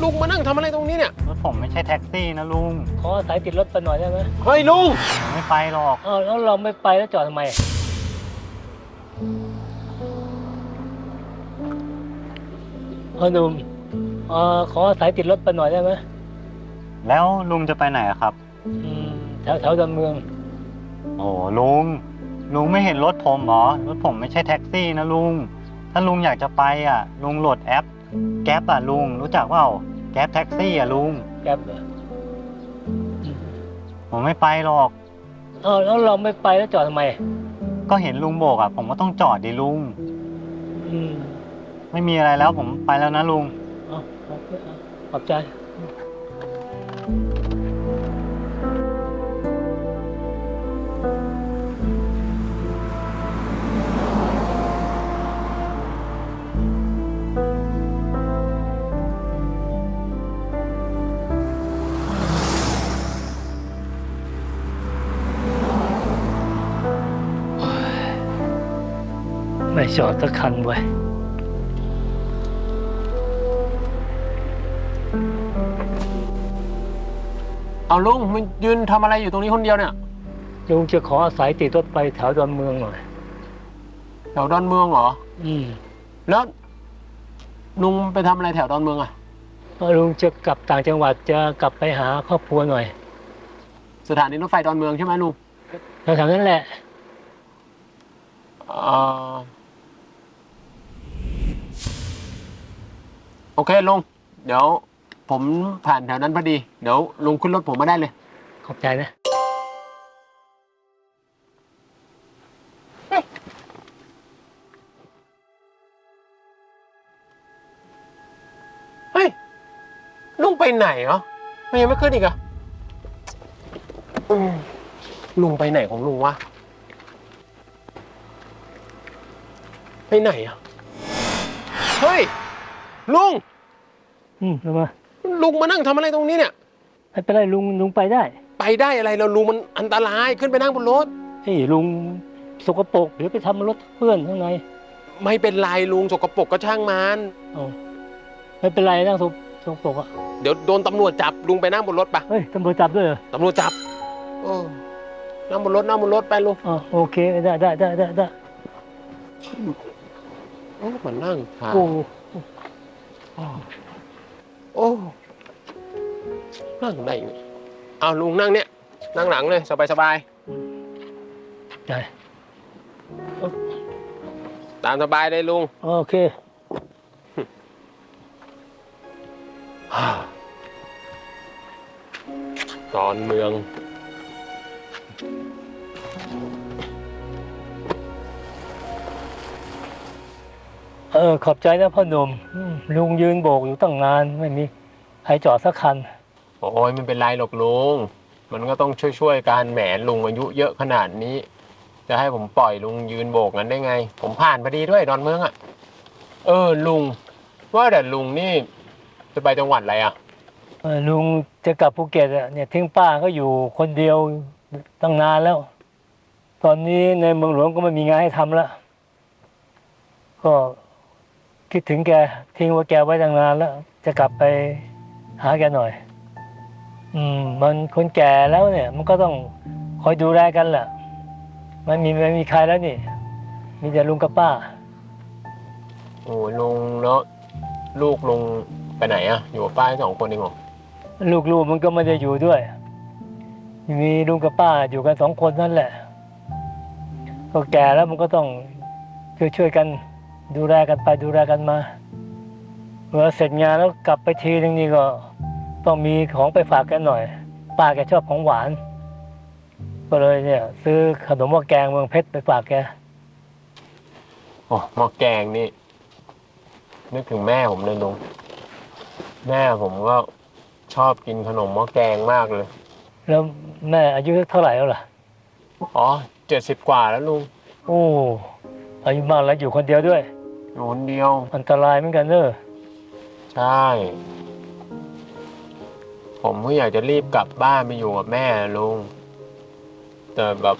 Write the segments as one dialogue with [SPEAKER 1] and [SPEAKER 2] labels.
[SPEAKER 1] ลุงมานั่งทำอะไรตรงนี้เนี่ย
[SPEAKER 2] รถผมไม่ใช่แท็กซี่นะลุง
[SPEAKER 3] ขอสายติดรถไปหน่อยได้ไหม
[SPEAKER 1] เฮ้ยลุง
[SPEAKER 2] ผมไม่ไปหรอก
[SPEAKER 3] แล้วเราไม่ไปแล้วจอดทำไมหนุ่มขอสายติดรถไปหน่อยได้ไหม
[SPEAKER 2] แล้วลุงจะไปไหนครับ
[SPEAKER 3] แถวดอนเมือง
[SPEAKER 2] โอ้ลุงไม่เห็นรถผมเหรอรถผมไม่ใช่แท็กซี่นะลุงถ้าลุงอยากจะไปอ่ะลุงโหลดแอปแก๊ปอ่ะลุงรู้จักเปล่าแก๊ปแท็กซี่อ่ะลุง
[SPEAKER 3] แก๊ปเหรอ
[SPEAKER 2] ผมไม่ไปหรอก
[SPEAKER 3] แล้วเราไม่ไปแล้วจอดทำไม
[SPEAKER 2] ก็เห็นลุงโบกอ่ะผมก็ต้องจอดดิลุงไม่มีอะไรแล้วผมไปแล้วนะลุง
[SPEAKER 3] ขอบใจไม่จอดสักคันเว้ย
[SPEAKER 1] เอาลุงมันยืนทำอะไรอยู่ตรงนี้คนเดียวเนี่ย
[SPEAKER 3] ลุงจะขออาศัยติดรถไปแถวดอนเมืองหน่อย
[SPEAKER 1] แถวดอนเมืองเหรอแล้วลุงไปทำอะไรแถวดอนเมืองอ่ะ
[SPEAKER 3] ลุงจะกลับต่างจังหวัดจะกลับไปหาครอบครัวหน่อย
[SPEAKER 1] สถานีรถไฟดอนเมืองใช่ไหมลุง
[SPEAKER 3] แถวนั้นแหละ
[SPEAKER 1] โอเคลุงเดี๋ยวผมผ่านแถวนั้นพอดีเดี๋ยวลุงขึ้นรถผมมาได้เลย
[SPEAKER 3] ขอบใจนะ
[SPEAKER 1] เฮ้ยลุงไปไหนเหรอมันยังไม่ขึ้นอีกอะลุงไปไหนของลุงวะไปไหนอะเฮ้ยลุง
[SPEAKER 3] ทำไม
[SPEAKER 1] ลุงมานั่งทำอะไรตรงนี้เนี่ย
[SPEAKER 3] ไม่เป็นไรลุงไปได้
[SPEAKER 1] อะไรเราลุงมันอันตรายขึ้นไปนั่งบนรถ
[SPEAKER 3] เฮ้ยลุงสกปรกเดี๋ยวไปทำรถเพื่อนข้างใน
[SPEAKER 1] ไม่เป็นไรลุงสกปรกก็ช่างมัน
[SPEAKER 3] ไม่เป็นไรนั่งสกปรกอ่ะ
[SPEAKER 1] เดี๋ยวโดนตำรวจจับลุงไปนั่งบนรถปะ
[SPEAKER 3] เฮ้ยตำรวจจับด้วยเหรอ
[SPEAKER 1] ตำรวจจับนั่งบนรถไปลุง
[SPEAKER 3] โอเคได้
[SPEAKER 1] มันนั่งถ่ายนั่งได้เอาลุงนั่งเนี่ยนั่งหลังเลยสบาย
[SPEAKER 3] ได้
[SPEAKER 1] ตามสบายเลยลุง
[SPEAKER 3] โอเค
[SPEAKER 1] ดอนเมือง
[SPEAKER 3] ขอบใจนะพ่อหนุ่มลุงยืนโบกอยู่ตั้งนานไม่มีใครจอดสักคัน
[SPEAKER 1] โอ้ยไม่เป็นไรหรอกลุงมันก็ต้องช่วยกันแหมลุงอายุเยอะขนาดนี้จะให้ผมปล่อยลุงยืนโบกนั้นได้ไงผมผ่านพอดีด้วยดอนเมืองอ่ะลุงว่าแต่ลุงนี่จะไปจังหวัดอะไรอ่ะ
[SPEAKER 3] ลุงจะกลับภูเก็ตเนี่ยทิ้งป้าก็อยู่คนเดียวตั้งนานแล้วตอนนี้ในเมืองหลวงก็ไม่มีงานให้ทำแล้วก็คิดถึงแกทิ้งว่าแกไว้ตั้งนานแล้วจะกลับไปหาแกหน่อยมันคนแก่แล้วเนี่ยมันก็ต้องคอยดูแลกันแหละไม่มีใครแล้วนี่มีแต่ลุงกับป้า
[SPEAKER 1] โอ้ลุงแล้วลูกลุงไปไหนอ่ะอยู่กับป้า2 คนเองเหรอ
[SPEAKER 3] ลูกมันก็ไม่ได้อยู่ด้วยมีลุงกับป้าอยู่กัน2 คนนั่นแหละก็แก่แล้วมันก็ต้องช่วยกันดูแลกันไปดูแลกันมาเมื่อเสร็จงานแล้วกลับไปทีนึงนี่ก็ต้องมีของไปฝากกันหน่อยป้าแกชอบของหวานก็เลยเนี่ยซื้อขนมหม้อแกงเมืองเพชรไปฝากแก
[SPEAKER 1] หม้อแกงนี่นึกถึงแม่ผมเลยลุงแม่ผมก็ชอบกินขนมหม้อแกงมากเลย
[SPEAKER 3] แล้วแม่อายุเท่าไหร่แล้วล่ะ
[SPEAKER 1] 70 กว่าแล้วลุง
[SPEAKER 3] โอ้อายุมากแล้วอยู่คนเดียวด้วย
[SPEAKER 1] อยู่คนเดียว
[SPEAKER 3] อันตรายเหมือนกันเนอะ
[SPEAKER 1] ใช่ผมก็อยากจะรีบกลับบ้านไปอยู่กับแม่ลุงแต่แบบ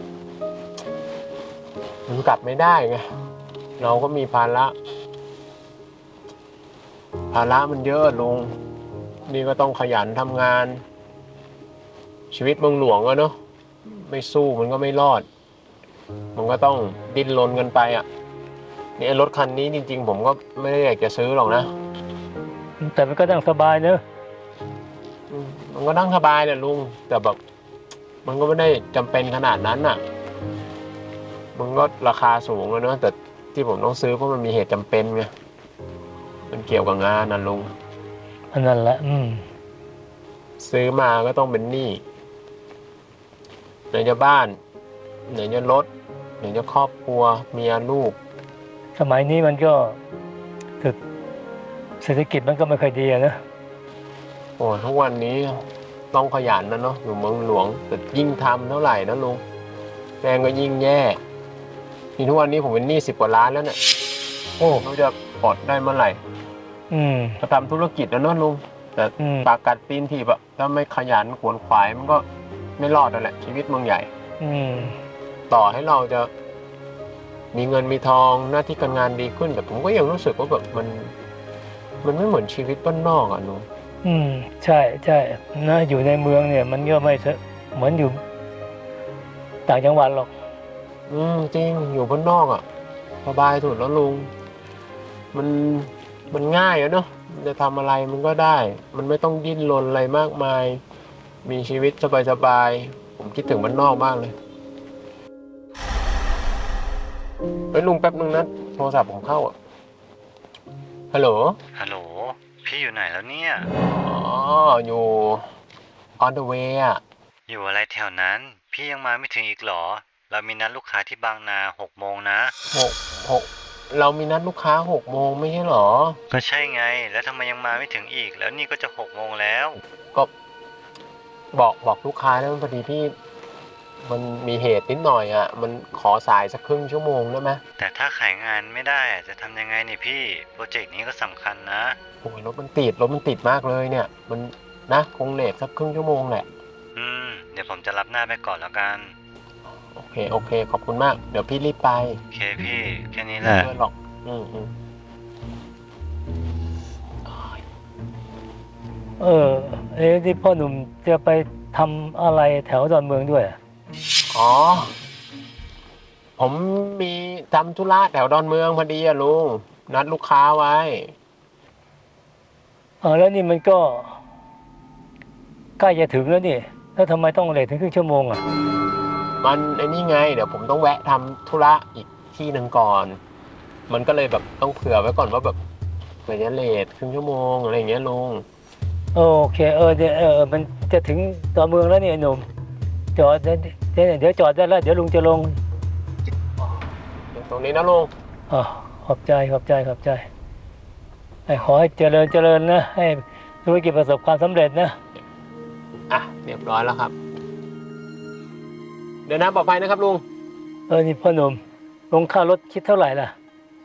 [SPEAKER 1] มันกลับไม่ได้ไงเราก็มีภาระมันเยอะลุงนี่ก็ต้องขยันทำงาน ชีวิตเมืองหลวงอะเนาะไม่สู้มันก็ไม่รอด มันก็ต้องดิ้นรนกันไปอ่ะนี่ไอ้รถคันนี้จริงๆผมก็ไม่ได้อยากจะซื้อหรอกนะ
[SPEAKER 3] แต่มันก็นั่งสบายเนอะ
[SPEAKER 1] มันก็นั่งสบายแหละลุงแต่แบบมันก็ไม่ได้จำเป็นขนาดนั้นน่ะมันก็ราคาสูงแล้วเนอะแต่ที่ผมต้องซื้อเพราะมันมีเหตุจำเป็นไงมันเกี่ยวกับงานนะลุง
[SPEAKER 3] อันนั้นแหละ
[SPEAKER 1] ซื้อมาก็ต้องเป็นหนี้ไหนจะบ้านไหนจะรถไหนจะครอบครัวเมียลูก
[SPEAKER 3] สมัยนี้มันก็ถึกเศรษฐกิจมันก็ไม่ค่อยดีอะนะ
[SPEAKER 1] โอ้ทุกวันนี้ต้องขยันนะเนาะอยู่เมืองหลวงแต่ยิ่งทำเท่าไหร่นะลุงแรงก็ยิ่งแย่นี่ทุกวันนี้ผมเป็นหนี้10 กว่าล้านแล้วเนี่ยโอ้เขาจะปลดได้เมื่อไหร่จะทำธุรกิจแล้วเนาะลุงแต่ปากกัดตีนถีบอะถ้าไม่ขยันขวนขวายมันก็ไม่รอดนั่นแหละชีวิตเมืองใหญ่ต่อให้เราจะมีเงินมีทองหน้าที่การงานดีขึ้นแต่ผมก็ยังรู้สึกว่าแบบมันไม่เหมือนชีวิตบ้านนอกอ่ะลุง
[SPEAKER 3] ใช่ใช่นะอยู่ในเมืองเนี่ยมันก็ไม่เหมือนอยู่ต่างจังหวัดหรอก
[SPEAKER 1] จริงอยู่บ้านนอกอ่ะสบายสุดแล้วลุงมันง่ายอะเนาะจะทำอะไรมันก็ได้มันไม่ต้องดิ้นรนอะไรมากมายมีชีวิตสบายๆผมคิดถึงบ้านนอกมากเลยเฮ้ยลุงแป๊บนึงนะโทรศัพท์ผมเข้าอ่ะฮัลโหล
[SPEAKER 2] พี่อยู่ไหนแล้วเนี่ย
[SPEAKER 1] อ๋ออยู่ on the way อ่ะ
[SPEAKER 2] อยู่อะไรแถวนั้นพี่ยังมาไม่ถึงอีกหรอเรามีนัดลูกค้าที่บางนา6 โมงนะ
[SPEAKER 1] 6เรามีนัดลูกค้า6 โมงไม่ใช่หรอ
[SPEAKER 2] ก็ใช่ไงแล้วทำไมยังมาไม่ถึงอีกแล้วนี่ก็จะ6 โมงแล้ว
[SPEAKER 1] ก็บอกลูกค้าแล้วพอดีพี่มันมีเหตุนิดหน่อยอ่ะมันขอสายสักครึ่งชั่วโมงได้ไหม
[SPEAKER 2] แต่ถ้าขายงานไม่ได้จะทำยังไงนี่พี่โปรเจกต์นี้ก็สำคัญนะ
[SPEAKER 1] โอ้ยรถมันติดมากเลยเนี่ยมันนะคงเลทสักครึ่งชั่วโมงแหละ
[SPEAKER 2] เดี๋ยวผมจะรับหน้าไปก่อนแล้วกัน
[SPEAKER 1] โอเคขอบคุณมากเดี๋ยวพี่รีบไป
[SPEAKER 2] โอเคพี่แค่นี้แหละ
[SPEAKER 1] ไม่เพื่อนหรอก
[SPEAKER 3] ที่พ่อหนุ่มจะไปทำอะไรแถวดอนเมืองด้วย
[SPEAKER 1] อ๋อผมมีทำธุระแถวดอนเมืองพอดีอะลุงนัดลูกค้าไว้
[SPEAKER 3] แล้วนี่มันก็ใกล้จะถึงแล้วนี่แล้วทำไมต้องเลทถึงครึ่งชั่วโมงอ่ะ
[SPEAKER 1] มันไอ้นี่ไงเดี๋ยวผมต้องแวะทำธุระอีกที่หนึ่งก่อนมันก็เลยแบบต้องเผื่อไว้ก่อนว่าแบบเหมือนจะเลทครึ่งชั่วโมงอะไรอย่างเงี้ยลุง
[SPEAKER 3] โอเคมันจะถึงดอนเมืองแล้วนี่หนุ่มจอดเดี๋ยวจอดได้แล้วเดี๋ยวลุงจะลง
[SPEAKER 1] ตรงนี้นะลุง
[SPEAKER 3] ขอบใจขอให้เจริญนะให้ธุรกิจประสบความสำเร็จนะ
[SPEAKER 1] เรียบร้อยแล้วครับเดินทางปลอดภัยนะครับลุง
[SPEAKER 3] นี่พ่อหนุ่มลงค่ารถคิดเท่าไหร่ล่ะ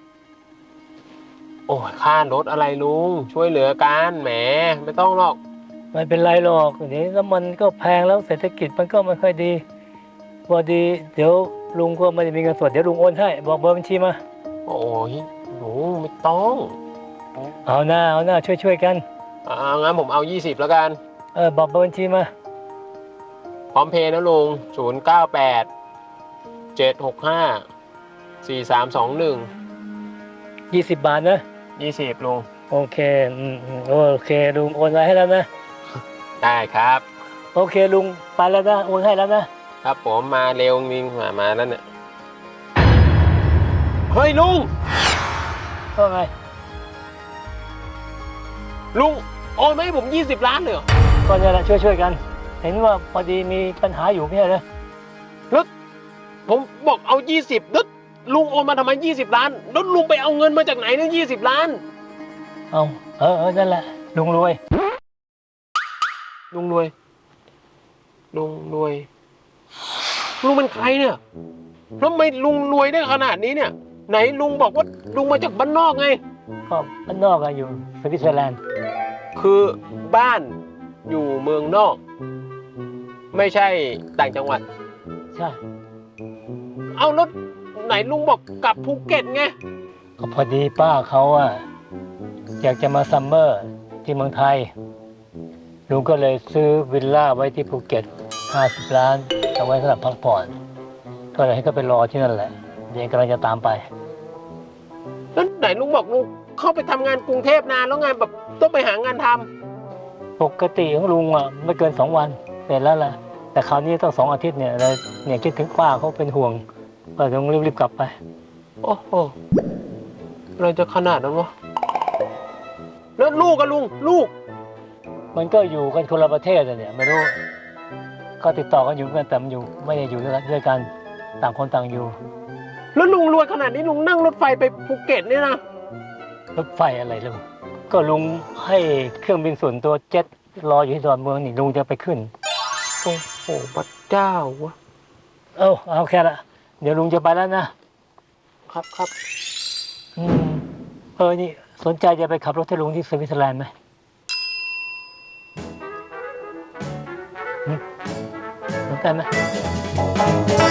[SPEAKER 1] โอ้ยค่ารถอะไรลุงช่วยเหลือกันแหมไม่ต้องหรอก
[SPEAKER 3] ไม่เป็นไรหรอกเดี๋ยวน้ำมันก็แพงแล้วเศรษฐกิจมันก็ไม่ค่อยดีพอดีเดี๋ยวลุงก็ไม่ได้มีเงินสดเดี๋ยวลุงโอนให้บอกเบอร์บัญชีมา
[SPEAKER 1] โอ้ยหนูไม่ต้อง
[SPEAKER 3] เอาหน้าช่วยกัน
[SPEAKER 1] งั้นผมเอา20แล้วกัน
[SPEAKER 3] บอกเบอร์บัญชีมา
[SPEAKER 1] พร้อมเพย์นะลุง098 765 4321
[SPEAKER 3] 20 บาทนะ
[SPEAKER 1] 20ลุง
[SPEAKER 3] โอเคลุงโอนไว้ให้แล้วนะ
[SPEAKER 1] ได้ครับ
[SPEAKER 3] โอเคลุงไปแล้วนะโอนให้แล้วนะครับ
[SPEAKER 1] ผมมาเร็วจริงมาแล้วเนี่ยเฮ้ยลุง
[SPEAKER 3] ว่าไง
[SPEAKER 1] ลุงโอนมาให้ผม20 ล้านเลยเหรอ
[SPEAKER 3] ก็เนี่ยแหละช่วยกันเห็นว่าพอดีมีปัญหาอยู่ไม่ใช่เหรอ
[SPEAKER 1] แล้วผมบอกเอา20แล้วลุงโอนมาทำไม20 ล้านแล้วลุงไปเอาเงินมาจากไหนเนี่ย20 ล้าน
[SPEAKER 3] นั่นแหละลุงรวย
[SPEAKER 1] ลุงเป็นใครเนี่ยแล้วทำไมลุงรวยได้ขนาดนี้เนี่ยไหนลุงบอกว่าลุงมาจากบ้านนอกไง
[SPEAKER 3] ก็บ้านนอกอะอยู่สวิตเซอร์แลนด์
[SPEAKER 1] คือบ้านอยู่เมืองนอกไม่ใช่ต่างจังหวัด
[SPEAKER 3] ใช่
[SPEAKER 1] เอาแล้วไหนลุงบอกกลับภูเก็ตไง
[SPEAKER 3] ก็พอดีป้าเขาอะอยากจะมาซัมเมอร์ที่เมืองไทยลุงก็เลยซื้อวิลล่าไว้ที่ภูเก็ต50 ล้านเอาไว้สำหรับพักผ่อนก็เลยให้เขาไปรอที่นั่นแหละเดี๋ยวกำลังจะตามไป
[SPEAKER 1] แล้วไหนลุงบอกลุงเข้าไปทำงานกรุงเทพนานแล้วไงแบบต้องไปหางานทำ
[SPEAKER 3] ปกติของลุงอ่ะไม่เกิน2 วันเสร็จแล้วแหละแต่คราวนี้ต้อง2 อาทิตย์เนี่ยเลยเนี่ยคิดถึงป้าเขาเป็นห่วงก็ต้องรีบๆกลับไป
[SPEAKER 1] โอ้โหอะไรจะขนาดนั้นวะแล้วลูกกับลุงลูก
[SPEAKER 3] มันก็อยู่กันคนละประเทศอะเนี่ยไม่รู้ก็ติดต่อกันอยู่กันแต่มันอยู่ไม่ได้อยู่ด้วยกันต่างคนต่างอยู่
[SPEAKER 1] แล้วลุงรวยขนาดนี้ลุงนั่งรถไฟไปภูเก็ตเนี่ยนะ
[SPEAKER 3] รถไฟอะไรลุงก็ลุงให้เครื่องบินส่วนตัวเจ็ตรออยู่ที่ดอนเมืองนี่ลุงจะไปขึ้น
[SPEAKER 1] โอ้โหพระเจ้าวะ
[SPEAKER 3] เอาแค่ละเดี๋ยวลุงจะไปแล้วนะครับ
[SPEAKER 1] ครับ
[SPEAKER 3] นี่สนใจจะไปขับรถให้ลุงที่สวิตเซอร์แลนด์ไหมสนใจไหม